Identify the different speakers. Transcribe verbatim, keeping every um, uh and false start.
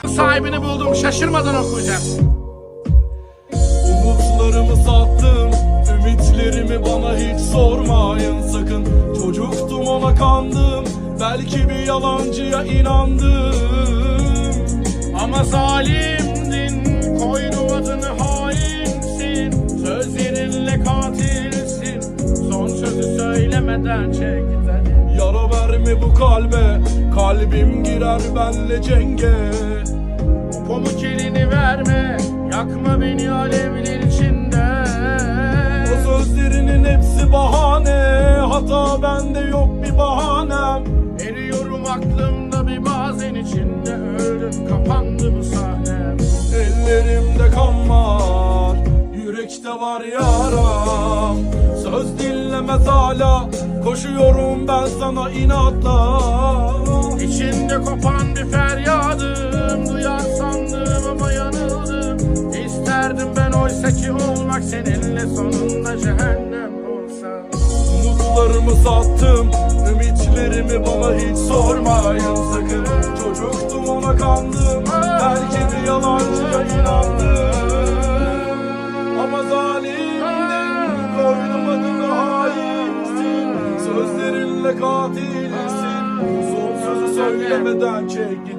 Speaker 1: sahibini buldum, şaşırmadan okuyacağım.
Speaker 2: Umutlarımı sattım, ümitlerimi bana hiç sormayın sakın. Çocuktum ona kandım, belki bir yalancıya inandım.
Speaker 1: Ama zalimdin, koydum adını hainsin. Sözlerinle katilsin, son sözü söylemeden çek gidelim.
Speaker 2: Yara verme bu kalbe, kalbim girer benle cenge.
Speaker 1: Pamuk elini verme, yakma beni alevler içinde.
Speaker 2: O sözlerinin hepsi bahane, hata bende yok bir bahanem.
Speaker 1: Eriyorum aklımda bir bazen içinde, öldüm kapandı bu sahnem.
Speaker 2: Ellerimde kan var, yürekte var yaram. Söz dinlemez hala, koşuyorum ben sana inatla.
Speaker 1: İçinde kopan bir feryadım, duyar sandım ama yanıldım. İsterdim ben oysa ki olmak seninle, sonunda cehennem olsa.
Speaker 2: Umutlarımı sattım, ümitlerimi bana hiç sormayın sakın. Çocuktum ona kandım, belki bir yalancıya inandım. Ama zalimdin, koydum adını hainsin. Sözlerinle katilsin, son sözü söylemeden çek git.